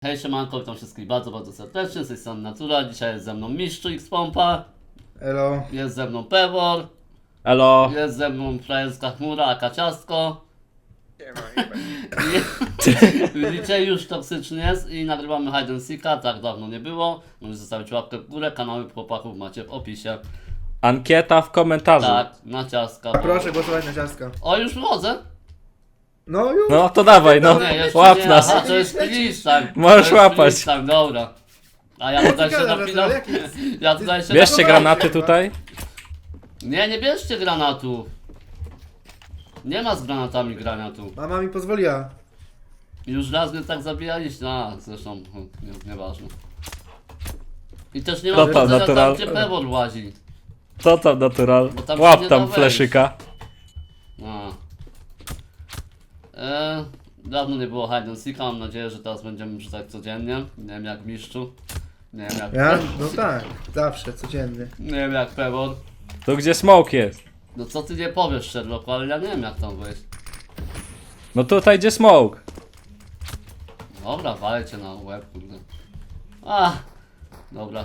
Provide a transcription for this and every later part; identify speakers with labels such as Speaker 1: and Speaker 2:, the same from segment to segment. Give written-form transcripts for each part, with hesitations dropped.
Speaker 1: Hej siemanko, witam wszystkich bardzo serdecznie, z tej strony Natura, dzisiaj jest ze mną Mistrzu X-Pompa,
Speaker 2: Elo.
Speaker 1: jest ze mną Pewor,
Speaker 3: Elo.
Speaker 1: jest ze mną frajerska chmura, aka ciastko. Widzicie, już toksyczny jest i nagrywamy Hide and Seeka, tak dawno nie było. Możecie zostawić łapkę w górę, kanały chłopaków macie w opisie.
Speaker 3: Ankieta w komentarzu.
Speaker 1: Tak, na ciastka.
Speaker 2: Proszę głosować na ciastka.
Speaker 1: O, już wychodzę?
Speaker 2: No już.
Speaker 3: No to dawaj, no.
Speaker 1: Nie, jeszcze
Speaker 3: Łap
Speaker 1: nie,
Speaker 3: nas.
Speaker 1: aha, to jest freeze time.
Speaker 3: Możesz
Speaker 1: To jest
Speaker 3: łapać.
Speaker 1: freeze time, dobra. A ja tutaj się
Speaker 2: gadasz,
Speaker 1: napinam.
Speaker 2: jaki jest?
Speaker 1: Ja tutaj się
Speaker 3: Bierzcie
Speaker 2: Dobra,
Speaker 3: granaty
Speaker 2: chyba.
Speaker 3: tutaj.
Speaker 1: Nie bierzcie granatów. Nie ma z granatami grania tu.
Speaker 2: Mama mi pozwoliła.
Speaker 1: Już raz mnie tak zabijaliście, a zresztą nieważne. I też nie ma
Speaker 3: To tam
Speaker 1: powodzenia
Speaker 3: natural.
Speaker 1: tam, gdzie Pewor łazi.
Speaker 3: Co tam natural?
Speaker 1: Bo tam się
Speaker 3: Łap
Speaker 1: nie
Speaker 3: tam
Speaker 1: da wejść.
Speaker 3: fleszyka.
Speaker 1: A. Dawno nie było Hide and Seeka, mam nadzieję, że teraz będziemy rzucać codziennie. Nie wiem jak Mistrzu. Nie wiem jak...
Speaker 2: Ja? No tak. Zawsze, codziennie.
Speaker 1: Nie wiem jak Pewor.
Speaker 3: Tu gdzie smoke jest.
Speaker 1: No co ty nie powiesz, Sherlocku, ale ja nie wiem jak tam wejść.
Speaker 3: No tutaj gdzie smoke.
Speaker 1: Dobra, walcie na łeb, kurde. A, dobra.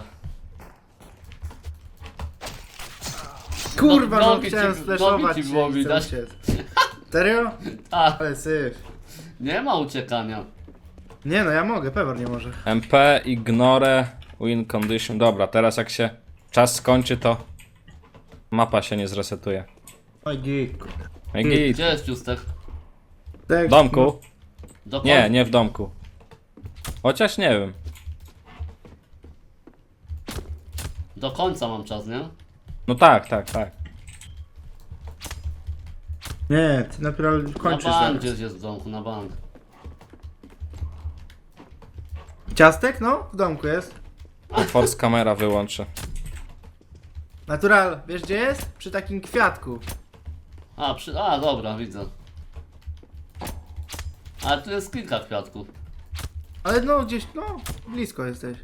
Speaker 2: Kurwa, no
Speaker 1: nogi
Speaker 2: chciałem
Speaker 1: ci-
Speaker 2: splashować
Speaker 1: nogi ci
Speaker 2: się
Speaker 1: było
Speaker 2: i
Speaker 1: widać.
Speaker 2: chcę uciec. Serio?
Speaker 1: A,
Speaker 2: Ale syf.
Speaker 1: nie ma uciekania.
Speaker 2: Nie no, ja mogę, Pewor nie może.
Speaker 3: MP, ignore, win condition. Dobra, teraz jak się czas skończy, to mapa się nie zresetuje.
Speaker 2: Oj, git.
Speaker 3: No i git.
Speaker 1: Gdzie jest Ciustek?
Speaker 3: W domku?
Speaker 1: Do
Speaker 3: Nie, nie w domku. Chociaż nie wiem.
Speaker 1: Do końca mam czas, nie?
Speaker 3: No tak, tak, tak.
Speaker 2: Nie, ty naprawdę
Speaker 1: Na
Speaker 2: kończysz
Speaker 1: bank
Speaker 2: zaraz.
Speaker 1: gdzieś jest w domku, na bank.
Speaker 2: Ciastek? No, w domku jest.
Speaker 3: Force kamera wyłączę.
Speaker 2: Natural, wiesz gdzie jest? Przy takim kwiatku.
Speaker 1: A, dobra, widzę. Ale tu jest kilka kwiatków.
Speaker 2: Ale no, gdzieś, no, blisko jesteś.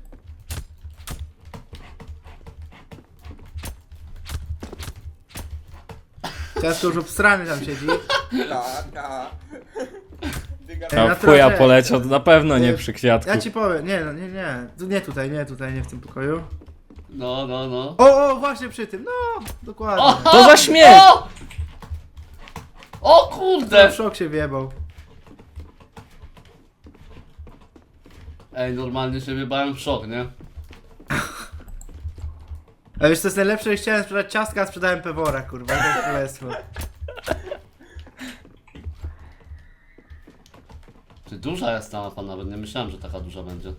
Speaker 2: Ciastko już obstrany tam siedzi.
Speaker 4: Tak.
Speaker 3: No
Speaker 2: na
Speaker 3: w chuja
Speaker 2: trochę.
Speaker 3: poleciał, to na pewno nie
Speaker 2: Nie,
Speaker 3: przy kwiatku.
Speaker 2: Ja ci powiem, nie, no, nie. Nie tutaj, nie w tym pokoju.
Speaker 1: No.
Speaker 2: O, właśnie przy tym, no, dokładnie.
Speaker 1: O!
Speaker 3: To za śmiech!
Speaker 1: O
Speaker 2: W
Speaker 1: kurde!
Speaker 2: szok się wjebał.
Speaker 1: Ej, normalnie się wybałem w szok, nie?
Speaker 2: A wiesz co jest najlepsze? Chciałem sprzedać ciastka, a sprzedałem Pewora, kurwa, to jest królestwo.
Speaker 1: Czy duża jest ta mapa nawet? Nie myślałem, że taka duża będzie.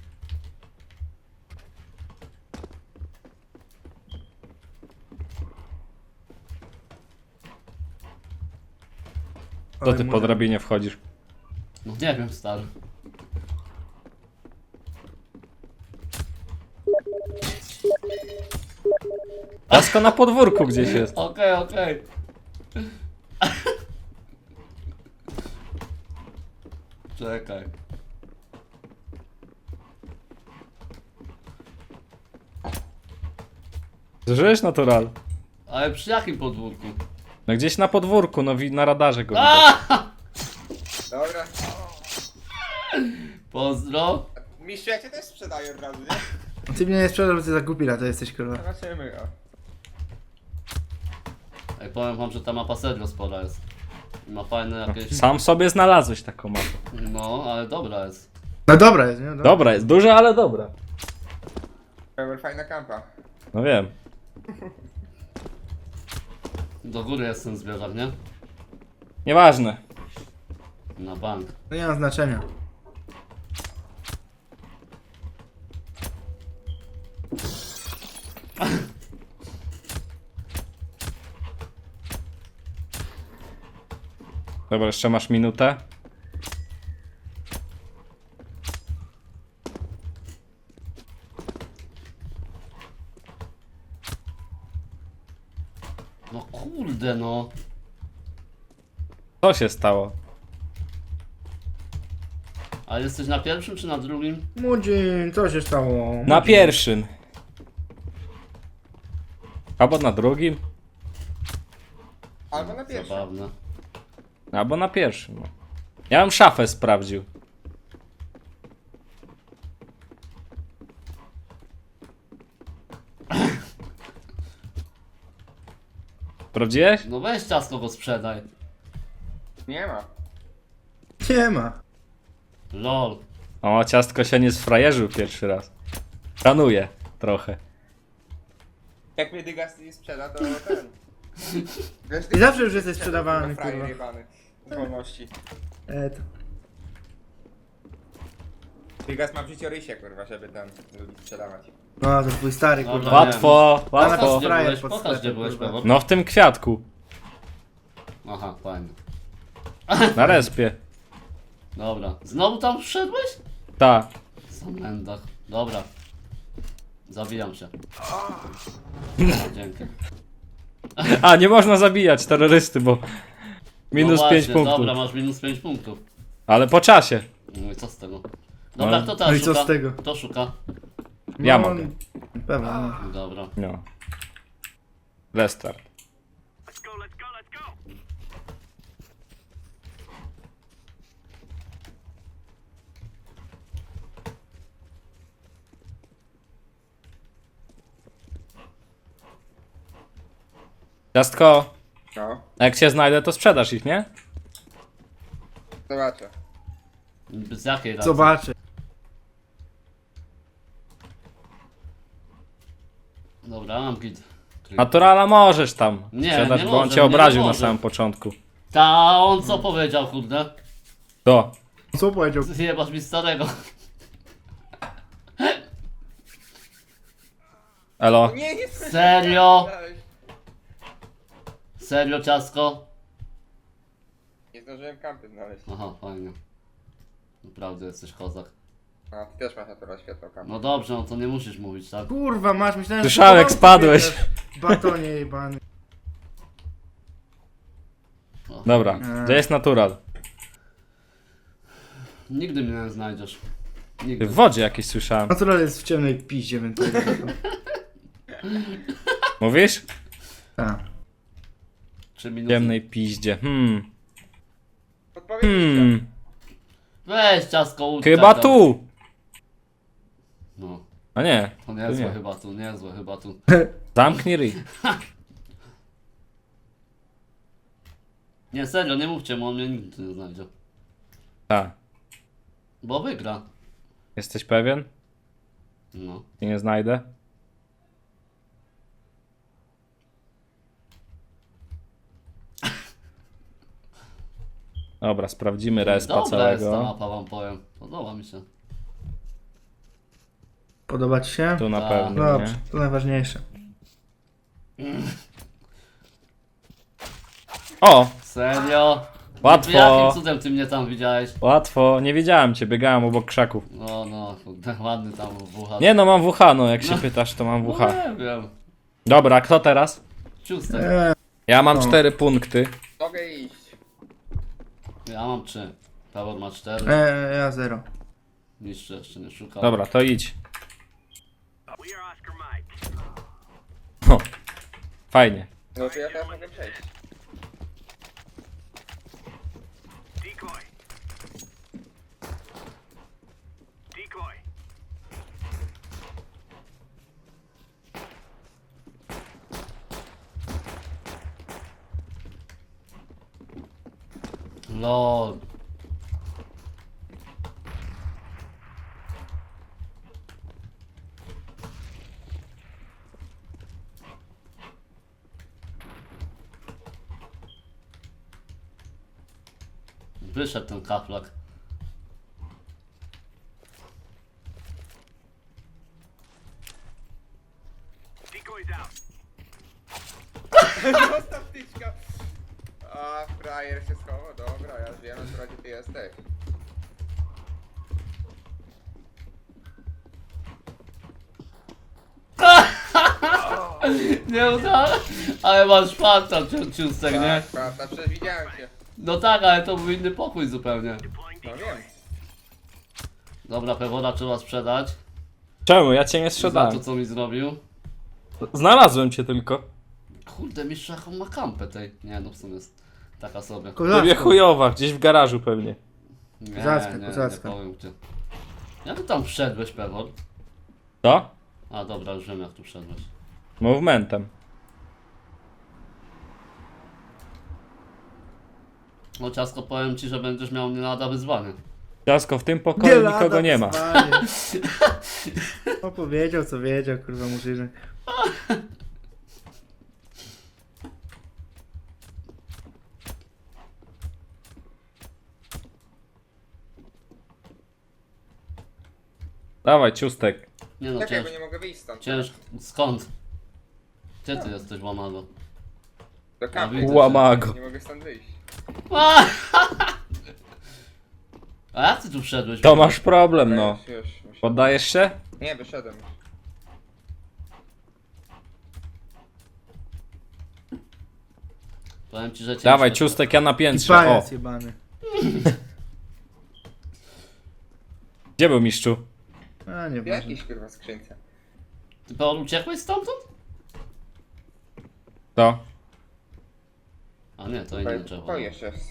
Speaker 3: To ty po drabinie wchodzisz.
Speaker 1: No nie wiem, stary.
Speaker 3: Jasko na podwórku gdzieś jest.
Speaker 1: Okej. Czekaj.
Speaker 3: Żyjesz natural.
Speaker 1: Ale przy jakim podwórku?
Speaker 3: No gdzieś na podwórku, no na radarze go widać.
Speaker 1: A!
Speaker 4: Dobra.
Speaker 1: Pozdro.
Speaker 4: Mistrzu, ja cię też sprzedaję od razu, nie?
Speaker 2: Ty mnie nie sprzedasz, bo ty za głupila to jesteś, kurwa.
Speaker 4: Zobaczymy, o.
Speaker 1: Ej, powiem wam, że ta mapa serio spora jest. I ma fajne jakieś...
Speaker 3: Sam sobie znalazłeś taką mapę.
Speaker 1: No, ale dobra jest.
Speaker 2: No dobra jest, nie?
Speaker 3: Dobra jest, duża, ale dobra.
Speaker 4: Pełen fajna kampa.
Speaker 3: No wiem.
Speaker 1: Do góry jest ten zwierzak, nie?
Speaker 3: Nieważne.
Speaker 1: Na bank.
Speaker 2: To nie ma znaczenia.
Speaker 3: Dobra, jeszcze masz minutę.
Speaker 1: No kurde no.
Speaker 3: Co się stało?
Speaker 1: A jesteś na pierwszym czy na drugim?
Speaker 2: Mudzin, co się stało?
Speaker 3: Na pierwszym. Albo na drugim.
Speaker 4: Albo na pierwszym.
Speaker 1: Zabawne.
Speaker 3: Albo na pierwszym. No. Ja bym szafę sprawdził. Sprawdziłeś?
Speaker 1: No weź ciasto go sprzedaj.
Speaker 4: Nie ma.
Speaker 2: Nie ma.
Speaker 1: Lol.
Speaker 3: O, ciastko się nie sfrajerzył pierwszy raz. Szanuje trochę.
Speaker 4: Jak mnie Dygas nie sprzeda, to ten. Wiesz,
Speaker 2: I zawsze już jesteś sprzedawany,
Speaker 4: frajer
Speaker 2: kurwa.
Speaker 4: jebany. Z wolności.
Speaker 2: To.
Speaker 4: Dygas ma w życiorysie, kurwa, żeby tam ludzi sprzedawać.
Speaker 2: No, to twój stary,
Speaker 1: Dobra.
Speaker 2: kurwa.
Speaker 3: Łatwo,
Speaker 1: Pokaż
Speaker 3: łatwo.
Speaker 1: gdzie
Speaker 2: frajer
Speaker 1: byłeś,
Speaker 2: pod
Speaker 1: pokaż gdzie
Speaker 2: sklepem,
Speaker 1: byłeś,
Speaker 2: kurwa.
Speaker 1: Pewor.
Speaker 3: No w tym kwiatku.
Speaker 1: Aha, fajnie.
Speaker 3: Na respie.
Speaker 1: Dobra. Znowu tam wszedłeś?
Speaker 3: Ta.
Speaker 1: Sam mendach. Dobra. Zabijam się. Dzięki.
Speaker 3: A, nie można zabijać terrorysty, bo... Minus
Speaker 1: No
Speaker 3: 5
Speaker 1: właśnie,
Speaker 3: punktów.
Speaker 1: Dobra, masz minus 5 punktów.
Speaker 3: Ale po czasie.
Speaker 1: No i co z tego? Dobra,
Speaker 3: No.
Speaker 1: kto teraz
Speaker 2: No i co
Speaker 1: szuka?
Speaker 2: z tego?
Speaker 1: Kto szuka?
Speaker 3: Ja
Speaker 2: No,
Speaker 3: mogę.
Speaker 2: Pewno. No.
Speaker 1: Dobra.
Speaker 3: No. Restart. Ciastko,
Speaker 4: No,
Speaker 3: a jak się znajdę, to sprzedasz ich, nie?
Speaker 4: zobaczę.
Speaker 1: Z jakiej racji?
Speaker 2: Zobaczę.
Speaker 1: Dobra, mam git.
Speaker 3: Naturala możesz tam
Speaker 1: Nie,
Speaker 3: sprzedać,
Speaker 1: nie
Speaker 3: bo on
Speaker 1: może,
Speaker 3: cię
Speaker 1: nie
Speaker 3: obraził na
Speaker 1: może.
Speaker 3: samym początku.
Speaker 1: Ta, on co powiedział, kurde?
Speaker 3: To.
Speaker 2: Co powiedział?
Speaker 1: Zjebasz mi starego.
Speaker 3: Elo.
Speaker 4: Nie, nie
Speaker 1: Serio? Serio, ciasko?
Speaker 4: Nie zdążyłem kampy znaleźć.
Speaker 1: Aha, fajnie. Naprawdę jesteś kozak.
Speaker 4: A, ty też masz natural światło kampy.
Speaker 1: No dobrze, no to nie musisz mówić, tak?
Speaker 2: Kurwa, masz, myślałem,
Speaker 3: Słyszałem, jak
Speaker 2: ty
Speaker 3: spadłeś.
Speaker 2: biegasz w Batonie jebany.
Speaker 1: O,
Speaker 3: Dobra, gdzie jest natural?
Speaker 1: Nigdy mnie nie znajdziesz.
Speaker 3: Ty
Speaker 1: Nigdy.
Speaker 3: w wodzie jakieś słyszałem.
Speaker 2: Natural jest w ciemnej piździe, więc...
Speaker 3: Mówisz?
Speaker 2: Tak.
Speaker 1: 3 minuty.
Speaker 3: W ciemnej piździe.
Speaker 4: Odpowiedź
Speaker 1: Weź ciasko, uciekaj.
Speaker 3: Chyba tu!
Speaker 1: No,
Speaker 3: A nie.
Speaker 1: to
Speaker 3: tu
Speaker 1: niezłe
Speaker 3: nie.
Speaker 1: chyba tu, niezłe chyba tu.
Speaker 3: Zamknij ryj.
Speaker 1: Nie, serio, nie mówcie mu, on mnie nigdy nie znajdzie.
Speaker 3: Tak.
Speaker 1: Bo wygra.
Speaker 3: Jesteś pewien?
Speaker 1: No.
Speaker 3: Cię nie znajdę? Dobra, sprawdzimy respa
Speaker 1: Dobra jest ta
Speaker 3: całego.
Speaker 1: mapa, wam powiem. Podoba mi się.
Speaker 2: Podoba ci się?
Speaker 3: Tu na
Speaker 1: Tak.
Speaker 3: pewno,
Speaker 2: Dobrze,
Speaker 3: nie?
Speaker 2: to najważniejsze.
Speaker 3: O!
Speaker 1: Serio?
Speaker 3: Łatwo.
Speaker 1: Jakim cudem ty mnie tam widziałeś?
Speaker 3: Łatwo, nie wiedziałem cię, biegałem obok krzaków.
Speaker 1: No, kurde, ładny tam wucha.
Speaker 3: Nie no, mam WH, no jak się pytasz, to mam
Speaker 1: No
Speaker 3: WH.
Speaker 1: nie wiem.
Speaker 3: Dobra, kto teraz?
Speaker 1: Ciustek.
Speaker 3: Ja mam
Speaker 2: No.
Speaker 3: 4 punkty.
Speaker 4: Mogę iść.
Speaker 1: Ja mam 3. Pawor ma 4.
Speaker 2: Ja 0.
Speaker 1: Nic jeszcze nie szukał.
Speaker 3: Dobra, to idź. O, fajnie.
Speaker 4: No to ja teraz mogę przejść.
Speaker 1: LOL. Wyszedł ten kaplak.
Speaker 4: Zostaw tyczka. A, frajer się schował. Dobra, ja wiem, że gdzie ty jesteś.
Speaker 1: Nie udało, ale masz farta, ciustek, nie?
Speaker 4: Tak, prawda, przecież widziałem cię.
Speaker 1: No tak, ale to był inny pokój zupełnie.
Speaker 4: No wiem.
Speaker 1: Dobra, Pewora trzeba sprzedać.
Speaker 3: Czemu? Ja cię nie
Speaker 1: Za to,
Speaker 3: sprzedałem.
Speaker 1: co mi zrobił.
Speaker 3: Znalazłem cię tylko.
Speaker 1: Kurde, mistrz jaką ma kampę tej. Nie, no w sumie jest taka sobie.
Speaker 3: Tobie
Speaker 2: Kozacko.
Speaker 3: chujowa, gdzieś w garażu pewnie.
Speaker 1: Nie,
Speaker 2: Kozacka,
Speaker 1: nie
Speaker 2: kozacka.
Speaker 1: powiem gdzie. Jak ty tam wszedłeś, Pewor?
Speaker 3: Co?
Speaker 1: A dobra, już wiem jak tu wszedłeś.
Speaker 3: Movementem.
Speaker 1: No ciasko, powiem ci, że będziesz miał nie lada wyzwanie.
Speaker 3: Ciasko, w tym pokoju
Speaker 2: lada
Speaker 3: nikogo nie ma.
Speaker 2: wyzwanie. No powiedział co wiedział, kurwa murzyny.
Speaker 3: Dawaj, ciustek.
Speaker 1: Nie no,
Speaker 4: Czekaj, bo nie mogę wyjść stąd.
Speaker 1: Skąd? Gdzie ty jesteś, łamago?
Speaker 4: Do kampy.
Speaker 1: widzę.
Speaker 3: Łamago.
Speaker 4: Nie mogę stąd wyjść.
Speaker 1: A jak ty tu wszedłeś?
Speaker 3: To masz problem, no.
Speaker 4: Już.
Speaker 3: Poddajesz się?
Speaker 4: Nie, wyszedłem już.
Speaker 1: Powiem ci, że cię
Speaker 3: Dawaj,
Speaker 1: nie
Speaker 3: ciustek, ja na
Speaker 2: I
Speaker 3: piętrze. O,
Speaker 2: pajac jebany.
Speaker 3: gdzie był mistrzu?
Speaker 2: A nie
Speaker 4: W
Speaker 2: wiem.
Speaker 4: jakiejś kurwa skrzynce.
Speaker 1: Ty Paul uciekłeś stamtąd?
Speaker 3: To.
Speaker 1: A nie, to inny drzewo.
Speaker 4: To jeszcze jest.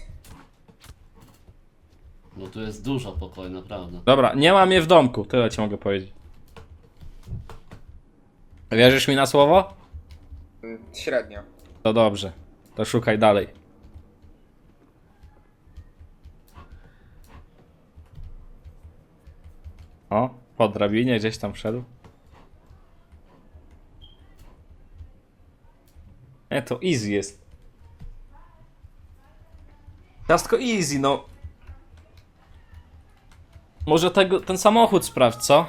Speaker 1: No tu jest dużo pokoju, naprawdę.
Speaker 3: Dobra, nie mam je w domku, tyle ci mogę powiedzieć. Wierzysz mi na słowo?
Speaker 4: Średnio.
Speaker 3: To dobrze. To szukaj dalej. O, po drabinie gdzieś tam wszedł. Nie, to easy jest. Ciastko easy, no. Może ten samochód sprawdź, co?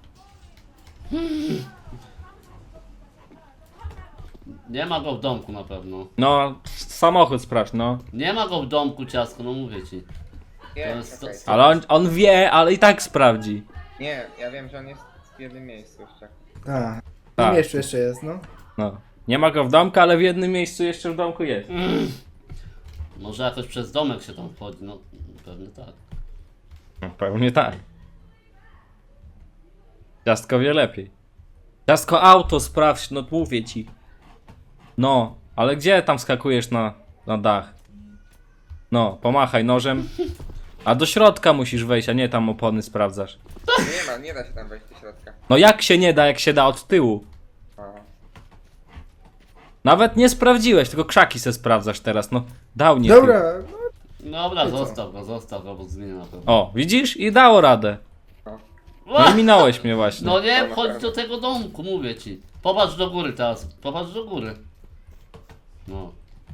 Speaker 1: Nie ma go w domku na pewno.
Speaker 3: No, samochód sprawdź, no.
Speaker 1: Nie ma go w domku, ciasko, no mówię ci.
Speaker 4: Nie,
Speaker 1: jest-
Speaker 4: czekaj.
Speaker 3: Ale on wie, ale i tak sprawdzi.
Speaker 4: Nie, ja wiem, że on jest w jednym miejscu jeszcze.
Speaker 2: A,
Speaker 3: Tak.
Speaker 2: w miejscu jeszcze jest, no.
Speaker 3: No. Nie ma go w domku, ale w jednym miejscu jeszcze w domku jest.
Speaker 1: Może jakoś przez domek się tam wchodzi, no pewnie tak.
Speaker 3: No, pewnie tak. Ciastko wie lepiej. Ciastko auto sprawdź, no mówię ci. No, ale gdzie tam skakujesz na dach? No, pomachaj nożem. A do środka musisz wejść, a nie tam opony sprawdzasz.
Speaker 4: Nie da się tam wejść do środka.
Speaker 3: No jak się nie da, jak się da od tyłu?
Speaker 4: O.
Speaker 3: Nawet nie sprawdziłeś, tylko krzaki se sprawdzasz teraz, no. Dał nie
Speaker 2: Dobra, no,
Speaker 1: Dobra,
Speaker 2: I co?
Speaker 1: zostaw go, bo zginie na pewno.
Speaker 3: O, widzisz? I dało radę. No i minąłeś mnie właśnie.
Speaker 1: No nie,
Speaker 4: To
Speaker 1: wchodź
Speaker 4: naprawdę.
Speaker 1: do tego domku, mówię ci. Popatrz do góry teraz, popatrz do góry. No.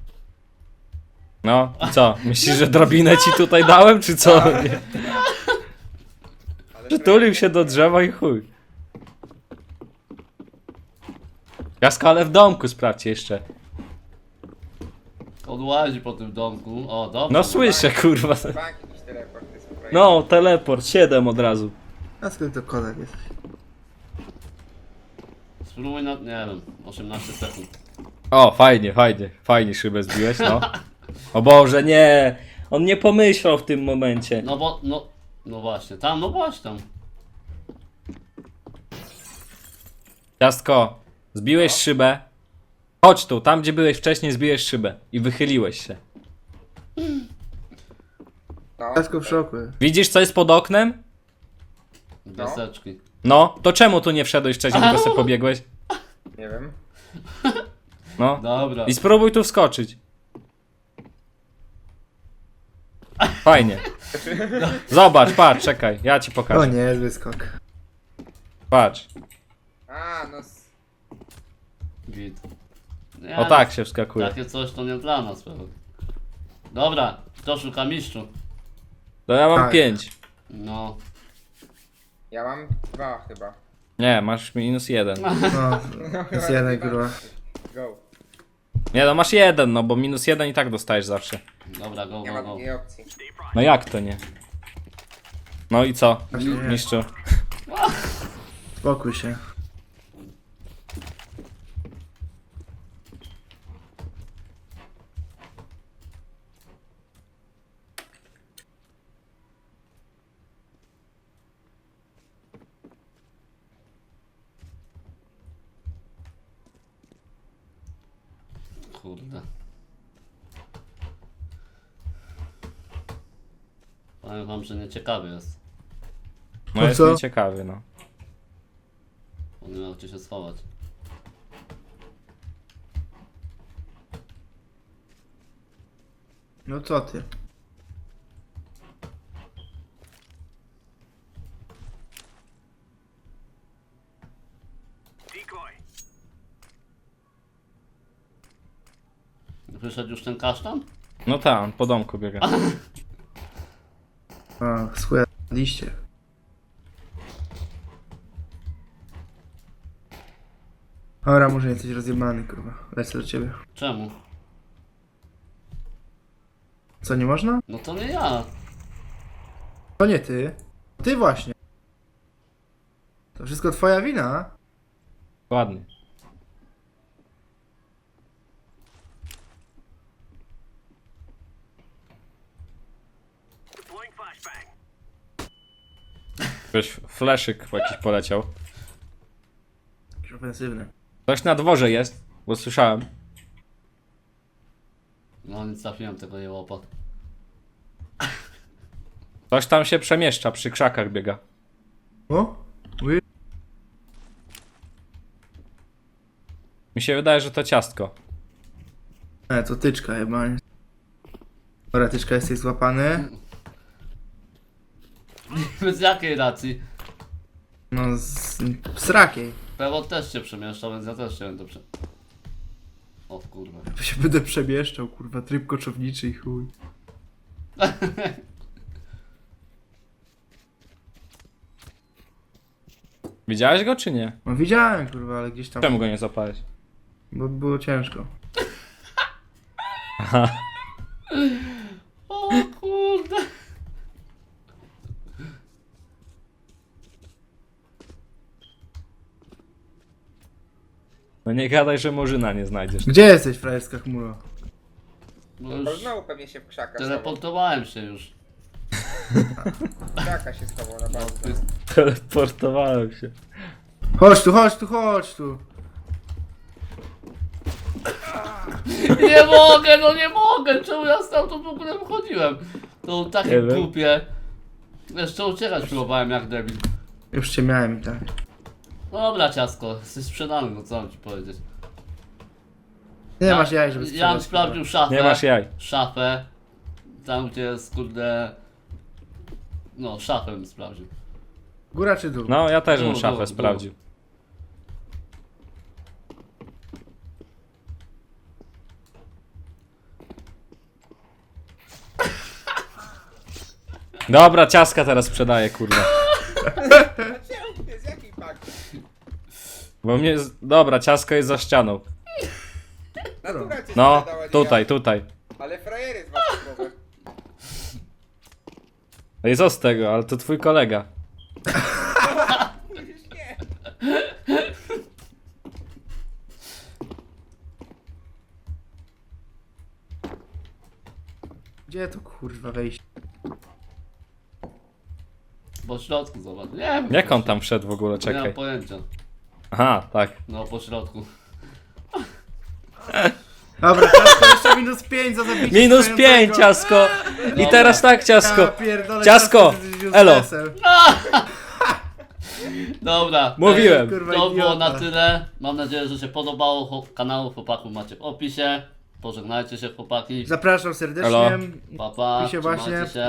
Speaker 3: No, i co? Myślisz, że drabinę ci tutaj dałem, czy co? Nie.
Speaker 4: Ale
Speaker 3: Przytulił się do drzewa i chuj. Jasko, ale w domku sprawdź jeszcze.
Speaker 1: On łazi po tym domku. O, dobrze.
Speaker 3: No słyszę, kurwa.
Speaker 4: Bank jakiś teleport jest po prostu.
Speaker 3: No, teleport, 7 od razu.
Speaker 2: a skąd to kodak jest?
Speaker 1: Spróbuj na, nie wiem, 18 sekund.
Speaker 3: O, fajnie szybę zbiłeś, no. O Boże, nie! On nie pomyślał w tym momencie.
Speaker 1: No bo, no właśnie, tam, no właśnie tam.
Speaker 3: Ciastko, zbiłeś szybę. Chodź tu, tam gdzie byłeś wcześniej zbiłeś szybę. I wychyliłeś się.
Speaker 4: No,
Speaker 2: Ciasko w szoku jest.
Speaker 3: Widzisz co jest pod oknem?
Speaker 1: Deseczki.
Speaker 3: No, to czemu tu nie wszedłeś wcześniej, tylko sobie pobiegłeś?
Speaker 4: nie wiem.
Speaker 3: No.
Speaker 1: Dobra.
Speaker 3: I spróbuj tu wskoczyć. Fajnie. Zobacz, patrz, czekaj, ja ci
Speaker 2: O
Speaker 3: pokażę.
Speaker 2: nie, zły skok.
Speaker 3: Patrz.
Speaker 4: A, no.
Speaker 1: Git. Nie,
Speaker 3: O tak się wskakuje.
Speaker 1: Takie coś to nie dla nas pewnie. Dobra, kto szuka mistrzu?
Speaker 3: To ja mam
Speaker 2: Tak.
Speaker 3: 5.
Speaker 1: No.
Speaker 4: Ja mam 2 chyba.
Speaker 3: Nie, masz -1.
Speaker 2: No, jest jeden, kurwa.
Speaker 4: Go.
Speaker 3: Nie, no masz 1, no bo -1 i tak dostajesz zawsze.
Speaker 1: Dobra, go,
Speaker 4: Nie
Speaker 1: go,
Speaker 4: ma
Speaker 1: go.
Speaker 4: drugiej opcji.
Speaker 3: No jak to nie? No i co,
Speaker 2: Właśnie nie.
Speaker 3: mistrzu?
Speaker 2: Spokój się.
Speaker 1: Kurde. Powiem wam, że nieciekawy jest.
Speaker 3: No
Speaker 2: To
Speaker 3: jest
Speaker 2: co?
Speaker 3: nieciekawy, no.
Speaker 1: On nie miał gdzie się schować.
Speaker 2: No co ty?
Speaker 1: Wyszedł już ten kasztan?
Speaker 3: No tam, po domku biega.
Speaker 2: A, schuje liście. Dobra, może jesteś rozjebany, kurwa. Lecę do ciebie.
Speaker 1: Czemu?
Speaker 2: Co, nie można?
Speaker 1: No to nie ja.
Speaker 2: To nie ty. Ty właśnie. To wszystko twoja wina.
Speaker 3: Ładnie. Ktoś fleszyk jakiś poleciał.
Speaker 2: Jakiś ofensywny.
Speaker 3: Ktoś na dworze jest, bo słyszałem.
Speaker 1: No nie trafiłem tego jełopa.
Speaker 3: Ktoś tam się przemieszcza, przy krzakach biega.
Speaker 2: O? Ły-
Speaker 3: Mi się wydaje, że to ciastko.
Speaker 2: to tyczka chyba. Nie? Dobra, tyczka, jesteś złapany.
Speaker 1: Z jakiej racji?
Speaker 2: No, z rakiej.
Speaker 1: Pewor też się przemieszczał, więc ja też się będę O kurwa.
Speaker 2: To się będę przemieszczał, kurwa, tryb koczowniczy i chuj.
Speaker 3: Widziałeś go czy nie?
Speaker 2: No widziałem, kurwa, ale gdzieś tam...
Speaker 3: Czemu go nie zapałeś?
Speaker 2: Bo było ciężko.
Speaker 1: O kurde.
Speaker 3: No nie gadaj, że murzyna nie znajdziesz.
Speaker 2: Gdzie jesteś, frajerska chmuro?
Speaker 1: No
Speaker 4: To
Speaker 1: już
Speaker 4: znowu pewnie się w krzakach schował.
Speaker 1: teleportowałem się już.
Speaker 4: Krzaka się schował na
Speaker 1: No,
Speaker 4: bank.
Speaker 1: ty...
Speaker 3: Teleportowałem się.
Speaker 2: Chodź tu, chodź tu, chodź tu.
Speaker 1: Nie mogę, no nie mogę! Czemu ja stamtąd w ogóle wychodziłem? To
Speaker 3: Nie
Speaker 1: takie
Speaker 3: wiem.
Speaker 1: głupie. Jeszcze uciekać próbowałem jak debil.
Speaker 2: Już cię miałem i tak.
Speaker 1: Dobra ciasko, jesteś sprzedany, no co mam ci powiedzieć.
Speaker 2: Nie masz jaj, żeby
Speaker 1: Ja bym
Speaker 2: sprzedać,
Speaker 1: sprawdził szafę.
Speaker 3: Nie masz jaj.
Speaker 1: Szafę. Tam gdzie jest kurde... No, szafę bym sprawdził.
Speaker 2: kurwa. Góra czy dół?
Speaker 3: No, ja też bym
Speaker 1: Dół,
Speaker 3: szafę
Speaker 1: dół,
Speaker 3: sprawdził. Dobra, ciastka teraz sprzedaję, kurwa.
Speaker 4: Czemu ty? Z jakiej paki?
Speaker 3: Bo mnie... Dobra, ciastko jest za ścianą.
Speaker 4: Natura cię
Speaker 3: No,
Speaker 4: sprzedała, nie
Speaker 3: tutaj,
Speaker 4: ja.
Speaker 3: tutaj.
Speaker 4: Ale frajery z was głowy.
Speaker 3: No i co z tego, ale to twój kolega.
Speaker 4: Już nie.
Speaker 2: Gdzie to kurwa wejść?
Speaker 1: Po środku zobacz. Nie wiem.
Speaker 3: Jak on tam wszedł w ogóle,
Speaker 1: Nie mam
Speaker 3: czekaj.
Speaker 1: pojęcia.
Speaker 3: Aha, tak.
Speaker 1: No, po środku.
Speaker 2: Dobra, ciasko jeszcze minus 5 za zabicie
Speaker 3: Minus
Speaker 2: stojącego.
Speaker 3: 5, ciasko! I
Speaker 1: Dobra.
Speaker 3: teraz tak, ciasko.
Speaker 2: Ja pierdolę,
Speaker 3: Ciasko!
Speaker 2: ty jesteś
Speaker 3: Elo!
Speaker 2: uselessem.
Speaker 1: Dobra.
Speaker 3: Mówiłem.
Speaker 2: Kurwa,
Speaker 1: To było na
Speaker 2: idiota.
Speaker 1: tyle. Mam nadzieję, że się podobało. Kanał chłopaków macie w opisie. Pożegnajcie się chłopaki.
Speaker 2: Zapraszam serdecznie.
Speaker 3: Elo.
Speaker 1: Pa, pa.
Speaker 2: Pisze właśnie.
Speaker 1: Trzymajcie się.